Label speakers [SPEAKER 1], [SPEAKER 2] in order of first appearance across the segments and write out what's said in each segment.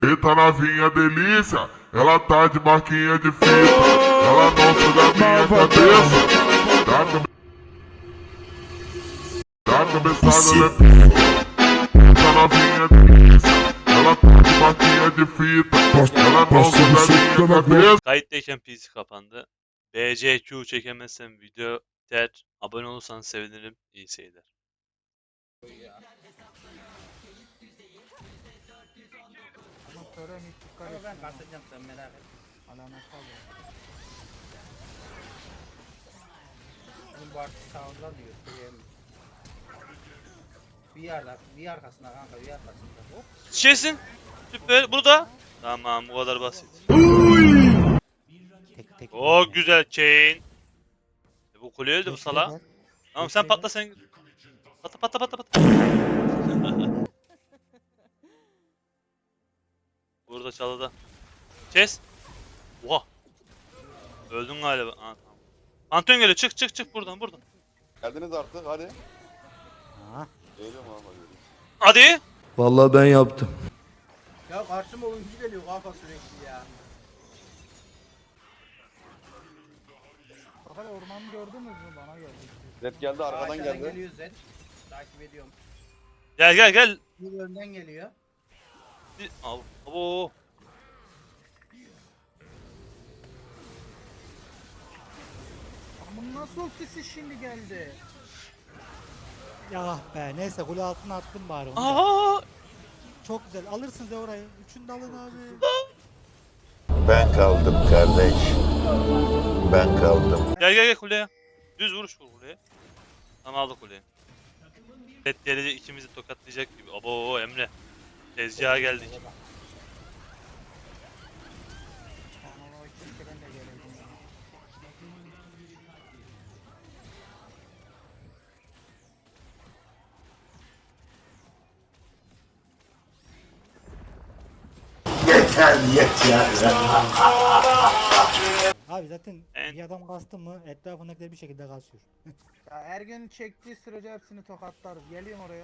[SPEAKER 1] Eita novinha delícia, ela tá de marquinha de fita, ela não sai da minha cabeça. Dá cabeçada, ela é pica. Eita novinha delícia, ela tá de marquinha de fita, ela não sai da minha cabeça.
[SPEAKER 2] Kayıttayken PC kapandı. BCQ çekemezsem video biter. Abone olursanız sevinirim. İyi seyirler.
[SPEAKER 3] Ama sonra hiç dikkat
[SPEAKER 4] Ama
[SPEAKER 3] et.
[SPEAKER 4] ben kasacağım, sen merak et.
[SPEAKER 3] Alamet kaldı.
[SPEAKER 4] Bizim bu artık sağında diyor. Söyleyeyim. Bir arkasına kanka, bir arkasında. Hop.
[SPEAKER 2] Şişesin. Süper. Burada. Tamam, bu kadar basit.
[SPEAKER 3] Tek
[SPEAKER 2] O güzel chain. Bu kule öldü bu
[SPEAKER 3] Beşte
[SPEAKER 2] sala.
[SPEAKER 3] gel.
[SPEAKER 2] Tamam sen
[SPEAKER 3] Beşte
[SPEAKER 2] patla sen. Patla patla patla patla. Burada çalıda. Kes. Oha. Öldün galiba. Aa, tamam. Pantheon geliyor. Çık çık çık buradan buradan.
[SPEAKER 5] Geldiniz artık hadi.
[SPEAKER 3] Ha.
[SPEAKER 5] Geliyorum ama geliyorum.
[SPEAKER 2] Hadi.
[SPEAKER 6] Vallahi ben yaptım.
[SPEAKER 4] Ya karşıma oyuncu geliyor kanka sürekli ya.
[SPEAKER 3] Fakat ormanı gördünüz mü? Bana geldi.
[SPEAKER 5] Zed geldi arkadan
[SPEAKER 4] Aşağıdan
[SPEAKER 5] geldi.
[SPEAKER 4] geliyor Zed. Takip ediyorum.
[SPEAKER 2] Gel gel gel.
[SPEAKER 4] Bir önden geliyor.
[SPEAKER 2] Abo.
[SPEAKER 3] Ama nasıl ultisi şimdi geldi? Ya be neyse kule altına attım bari onu. da.
[SPEAKER 2] Aa.
[SPEAKER 3] Çok güzel alırsınız ya orayı. Üçünü de alın abi.
[SPEAKER 7] Ben kaldım kardeş. Ben kaldım.
[SPEAKER 2] Gel gel gel kuleye. Düz vuruş vur kuleye. Tamam aldık kuleyi. Red gelecek ikimizi tokatlayacak gibi. Abo Emre. Tezgaha geldik.
[SPEAKER 3] Ama o keşke ben de geleydim ya. Abi zaten bir adam kastı mı etrafındakiler bir şekilde kasıyor. Ya Ergün çektiği sürece hepsini tokatlarız. Geliyorum oraya.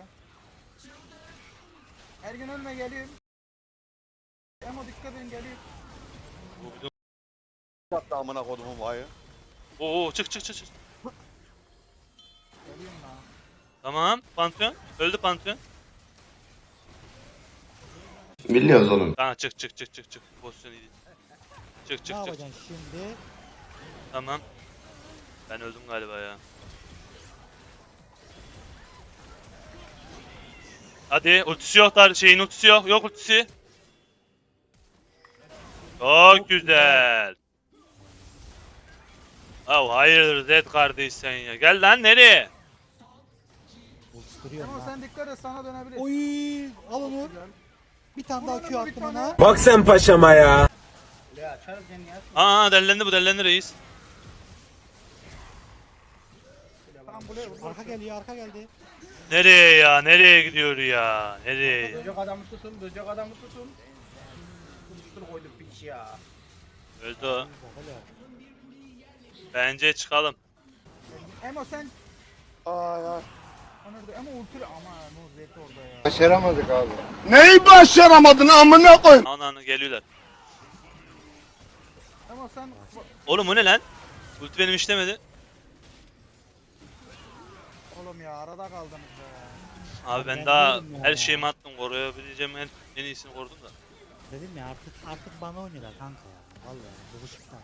[SPEAKER 3] Ergün önüne geliyorum. Ama dikkat edin geliyorum.
[SPEAKER 2] Bu bir de-
[SPEAKER 5] Yaptı amına kodumun vayı.
[SPEAKER 2] Oo çık çık çık çık.
[SPEAKER 3] Geliyorum lan.
[SPEAKER 2] Tamam. Pantheon. Öldü Pantheon.
[SPEAKER 7] Biliyoruz oğlum.
[SPEAKER 2] Tamam çık çık çık çık çık. Pozisyon iyi değil. Çık
[SPEAKER 3] Ne
[SPEAKER 2] çık çık.
[SPEAKER 3] yapacaksın şimdi?
[SPEAKER 2] Tamam. Ben öldüm galiba ya. Hadi ultisi yok da şeyin ultisi yok. Yok ultisi. Çok güzel. Ya hayırdır Zed kardeş sen ya. Gel lan nereye?
[SPEAKER 3] Ultistiriyorum
[SPEAKER 8] Ama
[SPEAKER 3] lan.
[SPEAKER 8] sen dikkat et, sana dönebilir.
[SPEAKER 3] Oy al onu. Bir tane daha
[SPEAKER 8] Vur
[SPEAKER 3] Q
[SPEAKER 8] onu, bir
[SPEAKER 3] attım
[SPEAKER 8] tane.
[SPEAKER 3] ona.
[SPEAKER 6] Bak sen paşama ya.
[SPEAKER 4] Ya açarız seni ya.
[SPEAKER 2] Aa dellendi bu dellendi reis.
[SPEAKER 8] Tamam buraya vur.
[SPEAKER 3] Arka geliyor arka geldi.
[SPEAKER 2] Nereye ya? Nereye gidiyor ya? Nereye?
[SPEAKER 4] Böcek adamı tutun, böcek adamı tutun. Tutuştur koyduk piç ya.
[SPEAKER 2] Öldü o.
[SPEAKER 3] Bak hele.
[SPEAKER 2] Bence çıkalım.
[SPEAKER 8] Emo sen
[SPEAKER 5] Ay ay.
[SPEAKER 8] onurdu ama ulti ama Nur Zed orada ya.
[SPEAKER 7] Başaramadık abi.
[SPEAKER 6] Neyi başaramadın amına koy?
[SPEAKER 2] Ananı geliyorlar.
[SPEAKER 8] Ama sen
[SPEAKER 2] Oğlum o ne lan? Ulti benim işlemedi.
[SPEAKER 8] oğlum ya arada kaldınız be.
[SPEAKER 2] Abi ben
[SPEAKER 3] Ben
[SPEAKER 2] daha
[SPEAKER 3] diyorum ya.
[SPEAKER 2] her şeyimi attım. Koruyabileceğim en iyisini korudum da.
[SPEAKER 3] Dedim ya artık bana oynuyorlar kanka ya. Vallahi bu ışıktan.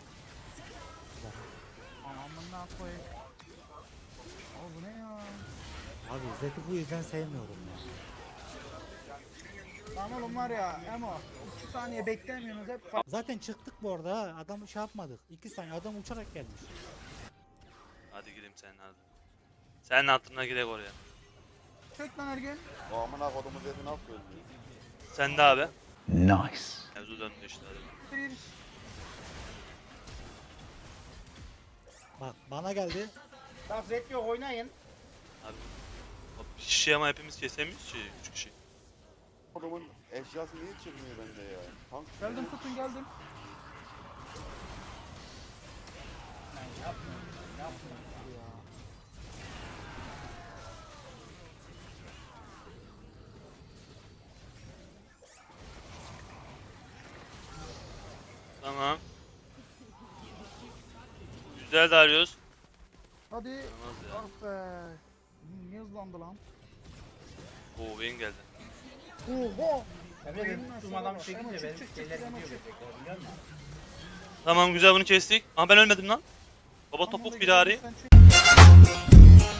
[SPEAKER 8] Amına koyayım. Abi bu ne ya?
[SPEAKER 3] Abi Zed'i bu yüzden sevmiyorum ya.
[SPEAKER 8] Lan oğlum var ya Emo 2 saniye beklemiyorsunuz hep
[SPEAKER 3] Zaten çıktık bu arada ha. Adamı şey yapmadık. 2 saniye adam uçarak gelmiş.
[SPEAKER 2] Hadi gireyim senin hadi. Senin hatırına girek oraya.
[SPEAKER 8] çök lan Ergün.
[SPEAKER 5] O amına kodumu Zed'i nasıl öldü?
[SPEAKER 2] Sen de abi.
[SPEAKER 7] Nice.
[SPEAKER 2] Mevzu döndü işte hadi.
[SPEAKER 8] Bir.
[SPEAKER 3] Bak bana geldi.
[SPEAKER 4] Bak Zed yok, oynayın.
[SPEAKER 2] Abi. Bir kişi ama hepimiz kesemiyoruz ki. 3 kişi.
[SPEAKER 5] Kodumun eşyası niye çıkmıyor bende ya? Tank
[SPEAKER 8] Geldim tutun geldim.
[SPEAKER 2] Güzel Darius.
[SPEAKER 8] Hadi.
[SPEAKER 2] İnanılmaz ya.
[SPEAKER 8] Ah be. Niye hızlandı lan?
[SPEAKER 2] Oo Vayne geldi.
[SPEAKER 8] Oho.
[SPEAKER 4] Emre benim
[SPEAKER 8] Nasıl
[SPEAKER 4] tuttuğum adam
[SPEAKER 8] bak?
[SPEAKER 4] çekince
[SPEAKER 8] Ama
[SPEAKER 4] benim
[SPEAKER 8] çık,
[SPEAKER 4] şeyler
[SPEAKER 8] Emo
[SPEAKER 4] gidiyor
[SPEAKER 8] çık.
[SPEAKER 4] böcekler biliyor musun?
[SPEAKER 2] Tamam güzel bunu kestik. Ama ben ölmedim lan. Baba topuk firari.
[SPEAKER 8] Sen çık.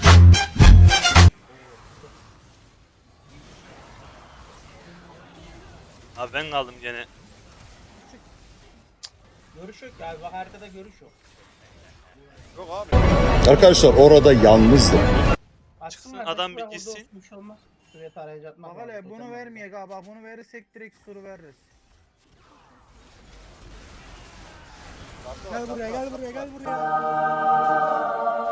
[SPEAKER 2] Abi ben kaldım gene.
[SPEAKER 4] Görüş yok ya. Bak haritada görüş yok.
[SPEAKER 5] Yok abi.
[SPEAKER 7] Arkadaşlar orada yalnızdım.
[SPEAKER 4] Açsınlar,
[SPEAKER 2] adam
[SPEAKER 4] şuraya
[SPEAKER 2] bir gitsin.
[SPEAKER 4] orada olsun, bir şey olmaz. Şuraya tarayıcı atmak
[SPEAKER 8] Bak
[SPEAKER 4] lazım,
[SPEAKER 8] hele
[SPEAKER 4] totem
[SPEAKER 8] bunu
[SPEAKER 4] var.
[SPEAKER 8] vermeye galiba. Bunu verirsek direkt suru veririz.
[SPEAKER 5] Kartı var,
[SPEAKER 3] Gel
[SPEAKER 5] kartı
[SPEAKER 3] buraya
[SPEAKER 5] var,
[SPEAKER 3] gel
[SPEAKER 5] kartı
[SPEAKER 3] buraya
[SPEAKER 5] var.
[SPEAKER 3] gel buraya.